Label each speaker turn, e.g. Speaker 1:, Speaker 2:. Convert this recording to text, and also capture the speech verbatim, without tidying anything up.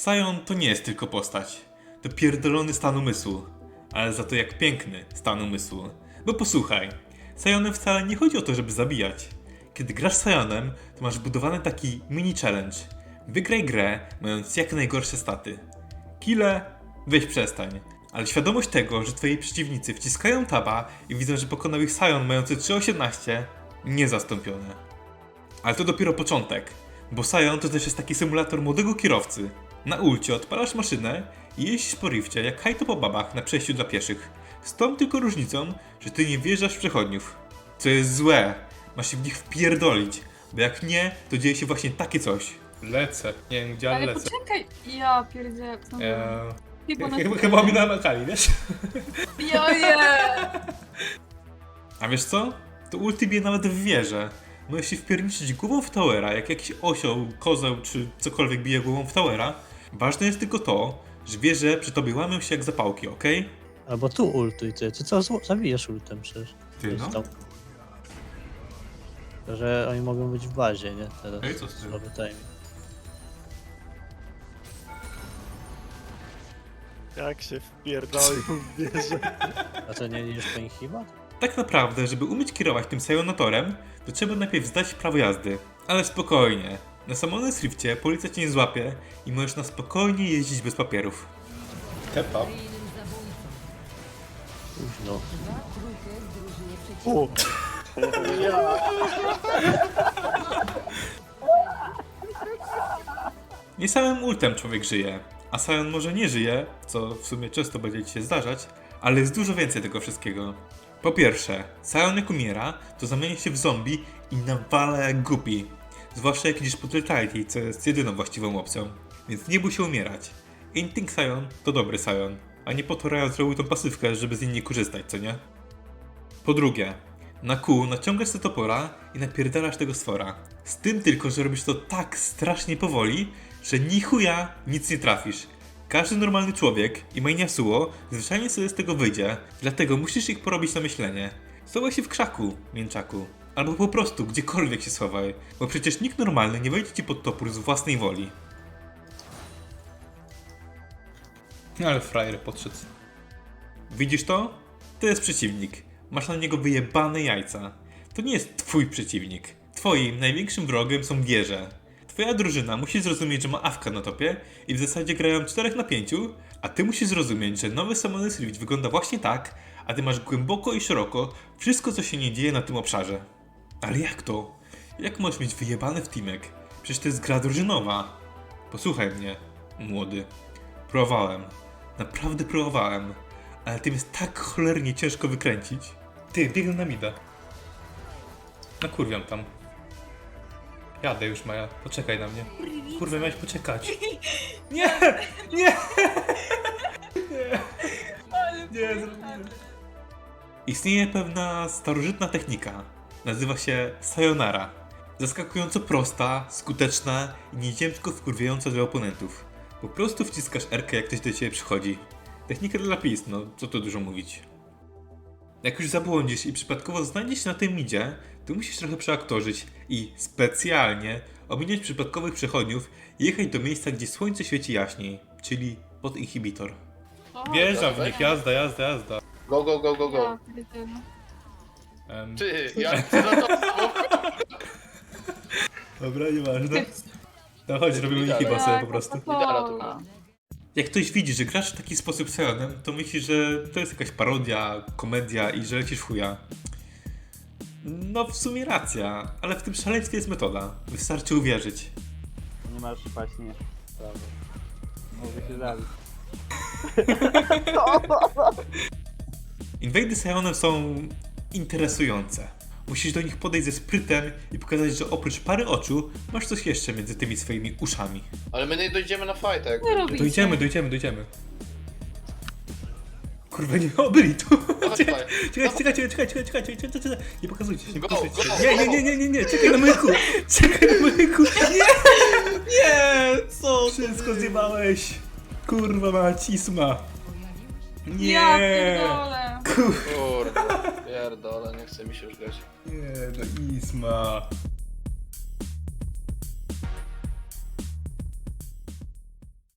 Speaker 1: Sion to nie jest tylko postać. To pierdolony stan umysłu. Ale za to jak piękny stan umysłu. Bo posłuchaj, Sionem wcale nie chodzi o to, żeby zabijać. Kiedy grasz Sionem, to masz budowany taki mini challenge. Wygraj grę, mając jak najgorsze staty. Kile, weź przestań. Ale świadomość tego, że twoi przeciwnicy wciskają taba i widzą, że pokonał ich Sion mający trzy osiemnaście, niezastąpione. Ale to dopiero początek, bo Sion to też jest taki symulator młodego kierowcy. Na ulcie odpalasz maszynę i jeździsz po rifcie jak hajto po babach na przejściu dla pieszych. Z tą tylko różnicą, że ty nie wjeżdżasz w przechodniów. Co jest złe, masz się w nich wpierdolić, bo jak nie, to dzieje się właśnie takie coś.
Speaker 2: Lecę. Nie wiem gdzie, ale
Speaker 3: Ale
Speaker 2: lecę.
Speaker 3: poczekaj, ja pierdzielę. co
Speaker 2: Eee,
Speaker 3: Chyba na
Speaker 2: chyba, chyba mi namakali, wiesz?
Speaker 3: Joje!
Speaker 1: A wiesz co? To ulti bije nawet w wieżę. Możesz się wpierniczyć głową w towera, jak jakiś osioł, kozeł czy cokolwiek bije głową w towera. Ważne jest tylko to, że wiesz, że przy tobie łamią się jak zapałki, okej?
Speaker 4: Albo tu ultuj ty, ty co zło- zabijesz ultem przecież.
Speaker 1: Ty
Speaker 4: To jest
Speaker 1: no.
Speaker 4: tam- To, że oni mogą być w bazie, nie? Teraz.
Speaker 1: Ej, co z tym?
Speaker 4: Słaby timing.
Speaker 5: Jak się wpierdolił w wieżę.
Speaker 4: A co, nie idziesz po nich chyba?
Speaker 1: Tak naprawdę, żeby umieć kierować tym Sionatorem, to trzeba najpierw zdać prawo jazdy. Ale spokojnie. Na samolotnym Swiftie policja cię nie złapie i możesz na spokojnie jeździć bez papierów.
Speaker 2: Kebab.
Speaker 4: Późno.
Speaker 5: U,
Speaker 1: Nie samym ultem człowiek żyje, a Sion może nie żyje, co w sumie często będzie ci się zdarzać, ale jest dużo więcej tego wszystkiego. Po pierwsze, Sion jak umiera, to zamienia się w zombie i nawala jak głupi. Zwłaszcza jak idziesz po Totality, co jest jedyną właściwą opcją. Więc nie bój się umierać. Inting Sion to dobry Sion, a nie po to Riot zrobił tą pasywkę, żeby z niej nie korzystać, co nie? Po drugie, na Q naciągasz sobie topora i napierdalasz tego stwora. Z tym tylko, że robisz to tak strasznie powoli, że ni chuja nic nie trafisz. Każdy normalny człowiek i main Yasuo zwyczajnie sobie z tego wyjdzie, dlatego musisz ich porobić na myślenie. Schowaj się w krzaku, mięczaku. Albo po prostu gdziekolwiek się schowaj, bo przecież nikt normalny nie wejdzie ci pod topór z własnej woli.
Speaker 2: Ale frajer podszedł.
Speaker 1: Widzisz to? To jest przeciwnik. Masz na niego wyjebane jajca. To nie jest twój przeciwnik. Twoim największym wrogiem są wieże. Twoja drużyna musi zrozumieć, że ma awka na topie i w zasadzie grają czterech na pięciu, a ty musisz zrozumieć, że nowy Summoner's Rift wygląda właśnie tak, a ty masz głęboko i szeroko wszystko, co się nie dzieje na tym obszarze. Ale jak to? Jak możesz mieć wyjebane w teamek? Przecież to jest gra drużynowa. Posłuchaj mnie, młody. Próbowałem. Naprawdę próbowałem. Ale tym jest tak cholernie ciężko wykręcić.
Speaker 2: Ty, biegnę na mida. Nakurwiam tam. Jadę już, Maja. Poczekaj na mnie. Kurwa, miałeś poczekać. Nie! Nie! Nie, zrobiłem.
Speaker 1: Istnieje pewna starożytna technika. Nazywa się sayonara. Zaskakująco prosta, skuteczna i nieziemsko wkurwiająca dla oponentów. Po prostu wciskasz R-kę, jak ktoś do ciebie przychodzi. Technika dla pis, no co tu dużo mówić. Jak już zabłądzisz i przypadkowo znajdziesz się na tym midzie, to musisz trochę przeaktorzyć i specjalnie ominąć przypadkowych przechodniów i jechać do miejsca, gdzie słońce świeci jaśniej, czyli pod inhibitor.
Speaker 2: Wjeżdżam w nich, jazda, jazda, jazda.
Speaker 6: Go, go, go, go, go.
Speaker 3: Ja pierdzielę.
Speaker 2: Em,
Speaker 6: Ty, jak ty za to...
Speaker 1: Dobra, nieważne. No chodź, robimy ich chyba sobie po prostu.
Speaker 6: Lidara tu ma.
Speaker 1: Jak ktoś widzi, że grasz w taki sposób Sionem, to myśli, że to jest jakaś parodia, komedia i że lecisz w chuja. No w sumie racja, ale w tym szaleństwie jest metoda. Wystarczy uwierzyć.
Speaker 7: Nie masz właśnie prawa. Mogę się zabić.
Speaker 1: Inwady Sionem są interesujące. Musisz do nich podejść ze sprytem i pokazać, że oprócz pary oczu masz coś jeszcze między tymi swoimi uszami.
Speaker 6: Ale my nie dojdziemy na fight, jak
Speaker 3: Nie robicie.
Speaker 2: Dojdziemy, dojdziemy, dojdziemy. Kurwa, nie, o, byli tu.
Speaker 6: Chodź,
Speaker 2: Czekaj,
Speaker 6: chodź.
Speaker 2: czekaj, czekaj, czekaj, czekaj, czekaj, czekaj, czekaj, czekaj. Nie pokazujcie się, nie
Speaker 6: Go,
Speaker 2: pokazujcie
Speaker 6: go,
Speaker 2: się. Nie, nie,
Speaker 6: go.
Speaker 2: nie, nie, nie, nie, czekaj na myku. Czekaj na myku. Nie, nie, co? Wszystko zjebałeś. Kurwa macisma. Nie.
Speaker 3: Ja pierdolę.
Speaker 2: Kurwa,
Speaker 6: Kurde, pierdolę, nie chce mi się już grać.
Speaker 2: nie, no isma.